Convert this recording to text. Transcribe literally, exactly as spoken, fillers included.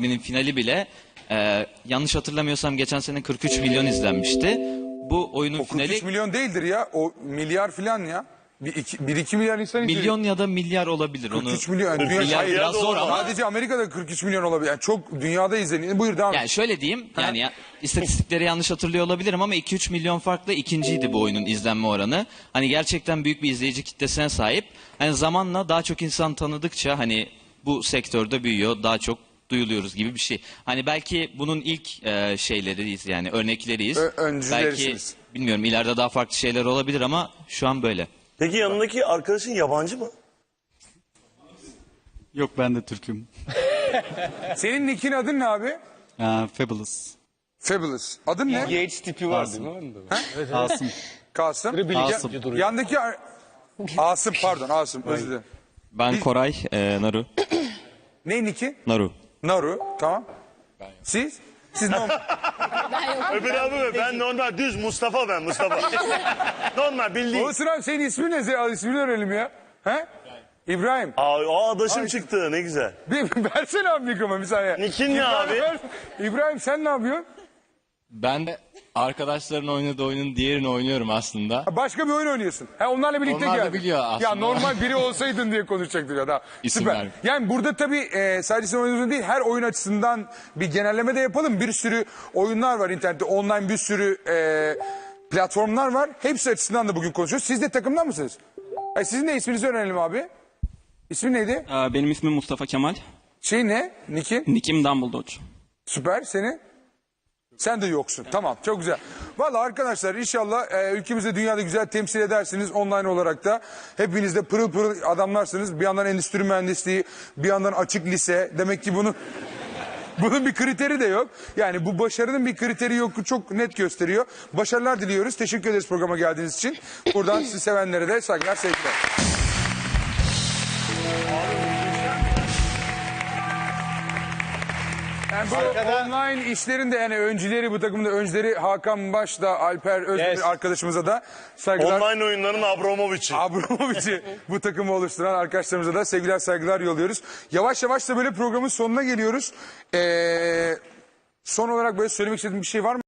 Benim finali bile e, yanlış hatırlamıyorsam geçen sene kırk üç milyon izlenmişti. Bu oyunun O kırk üç finali milyon değildir ya. O milyar filan ya. Bir iki, bir iki milyar insan izliyor. milyon ya da milyar olabilir. Onu kırk üç milyon. Yani dünya, milyar hayır, biraz zor ama. Sadece Amerika'da kırk üç milyon olabilir. Yani çok dünyada izleniyor. Buyur devam et. Yani şöyle diyeyim, yani ya, istatistikleri yanlış hatırlıyor olabilirim ama iki üç milyon farklı ikinciydi bu oyunun izlenme oranı. Hani gerçekten büyük bir izleyici kitlesine sahip. Hani zamanla daha çok insan tanıdıkça hani bu sektörde büyüyor, daha çok duyuluyoruz gibi bir şey. Hani belki bunun ilk e, şeyleriyiz yani örnekleriyiz. Ö- belki öncülerisiniz. bilmiyorum ileride daha farklı şeyler olabilir ama şu an böyle. Peki yanındaki arkadaşın yabancı mı? Yok, ben de Türk'üm. Senin nick'in adın ne abi? Aa, Fabulous. Fabulous. Adın ne? Yates tipi var değil mi? Onda? Asım. Kasım. Asım. Ya- yandaki ar- Asım pardon Asım özür dilerim. Ben Koray, e, Naru. Ne nick'i? Naru. Naru. Tamam. Siz? Siz normal. Öbür abi mi? Ben normal düz Mustafa ben Mustafa. normal bildiğin. Olsun abi senin ismin ne? Senin ismini öğrenelim ya. He? İbrahim. Aa, aa adaşım Ay. çıktı ne güzel. Bir versene abi mikrofonu bir saniye. Nick'in ne İbrahim, abi? ver. İbrahim sen ne yapıyorsun? Ben de arkadaşların oynadığı oyunun diğerini oynuyorum aslında. Ha, başka bir oyun oynuyorsun. Ha, onlarla birlikte Onlar da geldin. biliyor aslında. Ya normal biri olsaydın diye konuşacaktık ya da. İsim Süper. verme. Yani burada tabii e, sadece sen oynuyorsun değil her oyun açısından bir genelleme de yapalım. Bir sürü oyunlar var internette. Online bir sürü e, platformlar var. Hepsi açısından da bugün konuşuyoruz. Siz de takımdan mısınız? Ay, sizin de isminizi öğrenelim abi. İsmin neydi? Ee, Benim ismim Mustafa Kemal. Şey ne? Nick'in? Nick'im Dumbledore. Süper. Seni? Sen de yoksun. Tamam çok güzel. Valla arkadaşlar inşallah e, ülkemizi dünyada güzel temsil edersiniz online olarak da. Hepiniz de pırıl pırıl adamlarsınız. Bir yandan endüstri mühendisliği, bir yandan açık lise. Demek ki bunu bunun bir kriteri de yok. Yani bu başarının bir kriteri yok çok net gösteriyor. Başarılar diliyoruz. Teşekkür ederiz programa geldiğiniz için. Buradan sizi sevenlere de saygılar sevgiler. Yani bu online işlerin de yani öncüleri bu takımda öncüleri Hakan Baş'da Alper Özdemir Yes. arkadaşımıza da saygılar. Online oyunların Abramovich'i. Abramovich'i bu takımı oluşturan arkadaşlarımıza da sevgiler saygılar yolluyoruz. Yavaş yavaş da böyle programın sonuna geliyoruz. Ee, son olarak böyle söylemek istediğim bir şey var mı?